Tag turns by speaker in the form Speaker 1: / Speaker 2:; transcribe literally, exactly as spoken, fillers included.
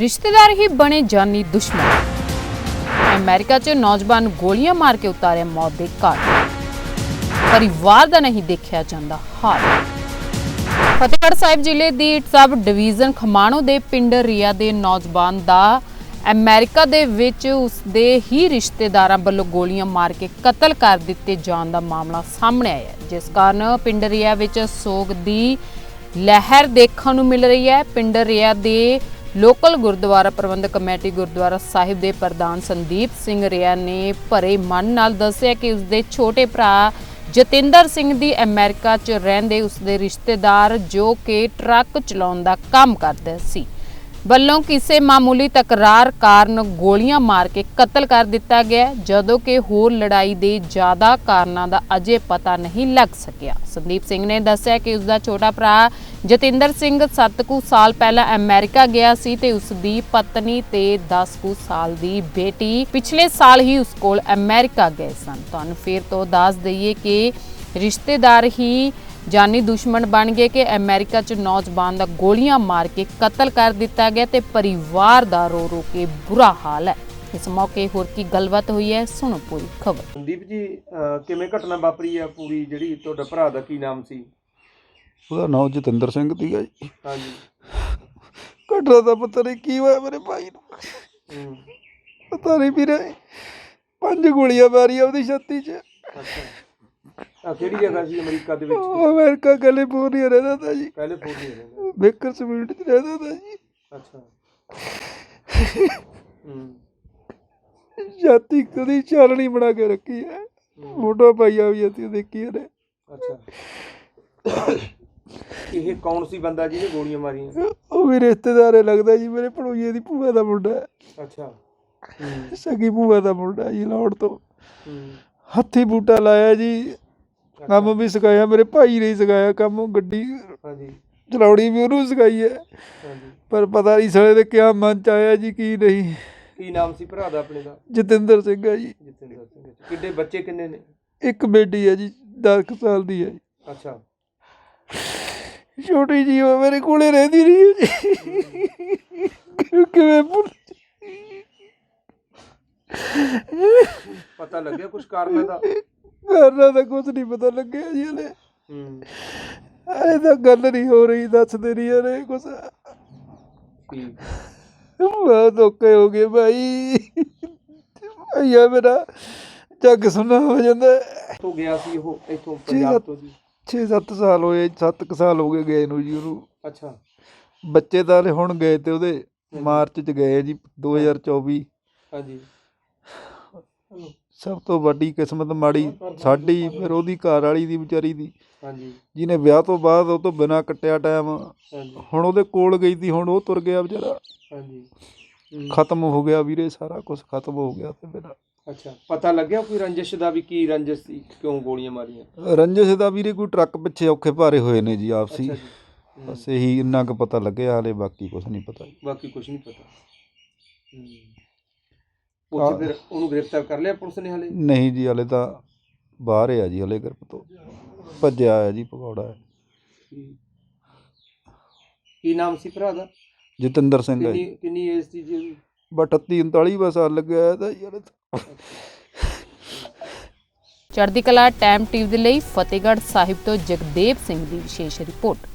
Speaker 1: रिश्तेदार ही बने जानी दुश्मन। अमेरिका च नौजवान गोलियां मार के उतारे मौत के घाट। परिवार दा नहीं देखा जांदा हाल। फतेहगढ़ साहिब जिले दी सब डिवीजन खमाणो दे पिंड रिया दे नौजवान दा अमेरिका दे विच उसदे ही रिश्तेदारां वल्लों गोलियां मार के कतल कर दिते जाण दा मामला सामने आया, जिस कारण पिंड रिया विच सोग दी लहर देखण नूं मिल रही है। पिंड रिया दे लोकल गुरुद्वारा प्रबंधक कमेटी गुरुद्वारा साहिब के प्रधान संदीप सिंह रिया ने भरे मन नाल दस्सिया कि उसके छोटे भरा जतिंदर सिंह दी अमेरिका च रहिंदे उसके रिश्तेदार जो कि ट्रक चलाउण दा काम करदे सी ਵੱਲੋਂ ਕਿਸੇ मामूली तकरार कारण गोलियां मार के कतल कर दिता गया, जदों कि होर लड़ाई के ज़्यादा कारणों का अजे पता नहीं लग सकिया। संदीप सिंह ने दस्सिया कि उसका छोटा भरा जतिंदर सिंह सत्त कु साल पहला अमेरिका गया सी ते उसकी पत्नी ते दस कु साल की बेटी पिछले साल ही उस कोल अमेरिका गए सन। तुहानूं फिर तो दस दईए कि रिश्तेदार ही जानी दुश्मन बन गए कि अमेरिका च नौजवान का गोलियां मार के कतल कर दिता गया ते परिवार दा रो रो के बुरा हाल है। इस मौके होर की गलबात हुई है, सुनो पूरी खबर।
Speaker 2: संदीप जी किवें घटना वापरी है पूरी जिहड़ी तुहाडा भरा दा की नाम सी?
Speaker 3: ਉਹਦਾ ਨਾਮ ਜਤਿੰਦਰ ਸਿੰਘ ਸੀਗਾ ਜੀ।
Speaker 2: ਹਾਂਜੀ।
Speaker 3: ਘਟਨਾ ਦਾ ਪਤਾ ਨਹੀਂ ਕੀ ਹੋਇਆ ਮੇਰੇ ਭਾਈ ਨੂੰ,
Speaker 2: ਹੂੰ।
Speaker 3: ਪਤਾ ਨਹੀਂ ਵੀਰੇ, ਪੰਜ ਗੋਲੀਆਂ ਮਾਰੀਆਂ ਉਹਦੀ ਛਾਤੀ 'ਚ।
Speaker 2: ਅੱਛਾ। ਆ ਕਿਹੜੀ ਜਗ੍ਹਾ ਸੀ ਅਮਰੀਕਾ ਦੇ ਵਿੱਚ?
Speaker 3: ਉਹ ਅਮਰੀਕਾ ਕੈਲੀਫੋਰਨੀਆ ਰਹਿੰਦਾ ਤਾ ਜੀ,
Speaker 2: ਕੈਲੀਫੋਰਨੀਆ ਰਹਿੰਦਾ।
Speaker 3: ਬੇਕਰ ਸਵੀਟ 'ਚ ਰਹਿੰਦਾ ਤਾ ਜੀ।
Speaker 2: ਅੱਛਾ। ਹੂੰ।
Speaker 3: ਛਾਤੀ ਕਦੀ ਚਾਲਣੀ ਬਣਾ ਕੇ ਰੱਖੀ ਹੈ, ਫੋਟੋ ਪਾਈਆ ਵੀ ਅਸੀਂ ਦੇਖੀ ਇਹਨੇ।
Speaker 2: ਅੱਛਾ। ਇਹ ਕੌਣ ਸੀ ਬੰਦਾ ਜਿਹਨੇ ਗੋਲੀਆਂ ਮਾਰੀਆਂ?
Speaker 3: ਉਹ ਵੀ ਰਿਸ਼ਤੇਦਾਰ ਹੈ ਲੱਗਦਾ ਜੀ, ਮੇਰੇ ਭਣੋਈਏ ਦੀ ਭੂਆ ਦਾ ਮੁੰਡਾ ਹੈ।
Speaker 2: ਅੱਛਾ।
Speaker 3: ਸਗੀ ਭੂਆ ਦਾ ਮੁੰਡਾ ਜੀ, ਲਾਹੌਰ ਤੋਂ।
Speaker 2: ਹੂੰ।
Speaker 3: ਹੱਥੀ ਬੂਟਾ ਲਾਇਆ ਜੀ, ਕੰਮ ਵੀ ਸਿਖਾਇਆ, ਮੇਰੇ ਭਾਈ ਨੇ ਸਿਖਾਇਆ ਕੰਮ, ਗੱਡੀ
Speaker 2: ਹਾਂਜੀ
Speaker 3: ਚਲਾਉਣੀ ਵੀ ਉਹਨੂੰ ਸਿਖਾਈ ਹੈ।
Speaker 2: ਹਾਂਜੀ।
Speaker 3: ਪਰ ਪਤਾ ਨਹੀਂ ਸਾਲੇ ਦੇ ਕਿਆ ਮਨ ਚ ਆਇਆ ਜੀ ਕੀ ਨਹੀਂ।
Speaker 2: ਕੀ ਨਾਮ ਸੀ ਭਰਾ ਦਾ ਆਪਣੇ ਦਾ?
Speaker 3: ਜਤਿੰਦਰ ਸਿੰਘ ਹੈ ਜੀ।
Speaker 2: ਜਤਿੰਦਰ ਸਿੰਘ। ਕਿੱਡੇ ਬੱਚੇ ਕਿੰਨੇ ਨੇ? ਇੱਕ
Speaker 3: ਬੇਟੀ ਹੈ ਜੀ, ਦਸ ਕੁ ਸਾਲ ਦੀ ਹੈ ਜੀ।
Speaker 2: ਅੱਛਾ।
Speaker 3: ਛੋਟੀ ਜੀ ਉਹ ਮੇਰੇ ਕੋਲੇ ਰਹਿੰਦੀ ਰਹੀ ਹੈ ਜੀ। ਕਿਵੇਂ ਭੁੱਲ
Speaker 2: ਪਤਾ ਲੱਗਿਆ ਕੁਛ ਕਾਰਨ ਦਾ?
Speaker 3: ਕਾਰਨ ਦਾ ਕੁਛ ਨਹੀਂ ਪਤਾ ਲੱਗਿਆ ਜੀ ਹਲੇ।
Speaker 2: ਹੂੰ।
Speaker 3: ਇਹ ਤਾਂ ਗੱਲ ਨਹੀਂ ਹੋ ਰਹੀ, ਦੱਸਦੇ ਨਹੀਂ ਯਾਰ ਇਹ ਕੁਛ।
Speaker 2: ਠੀਕ।
Speaker 3: ਬਹੁਤ ਔਖੇ ਹੋ ਗਏ ਭਾਈ, ਭਈਆ ਮੇਰਾ ਜੱਗ ਸੁਣਾ ਹੋ ਜਾਂਦਾ।
Speaker 2: ਤੋਂ ਗਿਆ ਸੀ ਉਹ ਇੱਥੋਂ ਪੰਜਾਬ ਤੋਂ ਜੀ?
Speaker 3: ਛੇ ਸੱਤ ਸਾਲ ਹੋਏ, ਸੱਤ ਕੁ ਸਾਲ ਹੋ ਗਏ ਗਏ ਨੂੰ ਜੀ ਉਹਨੂੰ।
Speaker 2: ਅੱਛਾ।
Speaker 3: ਬੱਚੇ ਤਾਂ ਹੁਣ ਗਏ ਤੇ ਉਹਦੇ ਮਾਰਚ 'ਚ ਗਏ ਜੀ ਦੋ ਹਜ਼ਾਰ ਚੌਵੀ।
Speaker 2: ਹਾਂਜੀ।
Speaker 3: ਸਭ ਤੋਂ ਵੱਡੀ ਕਿਸਮਤ ਮਾੜੀ ਸਾਡੀ, ਫਿਰ ਉਹਦੀ ਘਰ ਵਾਲੀ ਦੀ ਵਿਚਾਰੀ ਦੀ।
Speaker 2: ਹਾਂਜੀ।
Speaker 3: ਜਿਹਨੇ ਵਿਆਹ ਤੋਂ ਬਾਅਦ ਉਹ ਤੋਂ ਬਿਨਾਂ ਕੱਟਿਆ ਟਾਈਮ,
Speaker 2: ਹਾਂਜੀ।
Speaker 3: ਹੁਣ ਉਹਦੇ ਕੋਲ ਗਈ ਸੀ, ਹੁਣ ਉਹ ਤੁਰ ਗਿਆ ਵਿਚਾਰਾ।
Speaker 2: ਹਾਂਜੀ।
Speaker 3: ਖਤਮ ਹੋ ਗਿਆ ਵੀਰੇ, ਸਾਰਾ ਕੁਝ ਖਤਮ ਹੋ ਗਿਆ ਤੇ ਮੇਰਾ।
Speaker 2: ਅੱਛਾ। ਪਤਾ ਲੱਗਿਆ ਕੋਈ ਰੰਜਿਸ਼ ਦਾ ਵੀ ਕੀ ਰੰਜਿਸ਼ ਸੀ, ਕਿਉਂ ਗੋਲੀਆਂ ਮਾਰੀਆਂ?
Speaker 3: ਰੰਜਿਸ਼ ਦਾ ਵੀਰੇ ਕੋਈ ਟਰੱਕ ਪਿੱਛੇ ਔਖੇ ਭਾਰੇ ਹੋਏ ਨੇ ਜੀ ਆਪਸੀ,
Speaker 2: ਅੱਛਾ ਜੀ।
Speaker 3: ਬਸ ਇਹੀ ਇੰਨਾ ਕੁ ਪਤਾ ਲੱਗਿਆ, ਹਾਲੇ ਬਾਕੀ ਕੁਝ ਨਹੀਂ ਪਤਾ ਜੀ।
Speaker 2: ਬਾਕੀ ਕੁਝ ਨਹੀਂ ਪਤਾ। ਹੂੰ। ਉੱਥੇ ਫਿਰ ਉਹਨੂੰ ਗ੍ਰਿਫਤਾਰ ਕਰ ਲਿਆ ਪੁਲਿਸ ਨੇ ਹਾਲੇ?
Speaker 3: ਨਹੀਂ ਜੀ, ਹਾਲੇ ਤਾਂ ਬਾਹਰ ਹੈ ਜੀ, ਹਾਲੇ ਗ੍ਰਿਫਤ ਤੋਂ ਭੱਜਿਆ ਹੈ ਜੀ, ਭਗੌੜਾ ਹੈ।
Speaker 2: ਕੀ ਨਾਮ ਸੀ ਭਰਾ ਦਾ?
Speaker 3: ਜਤਿੰਦਰ ਸਿੰਘ ਹੈ ਜੀ।
Speaker 2: ਕਿੰਨੀ ਏਜ ਸੀ ਜੀ ਉਹਦੀ?
Speaker 3: ਬਸ ਅਠੱਤੀ ਉਨਤਾਲੀ ਬਸ ਸਾਲ ਲੱਗਿਆ ਤਾਂ ਜੀ ਹਾਲੇ ਤਾਂ।
Speaker 1: ਚੜ੍ਹਦੀ ਕਲਾ ਟਾਈਮ ਟੀਵੀ ਦੇ ਲਈ ਫਤਿਹਗੜ੍ਹ ਸਾਹਿਬ ਤੋਂ ਜਗਦੇਵ ਸਿੰਘ ਦੀ ਵਿਸ਼ੇਸ਼ ਰਿਪੋਰਟ।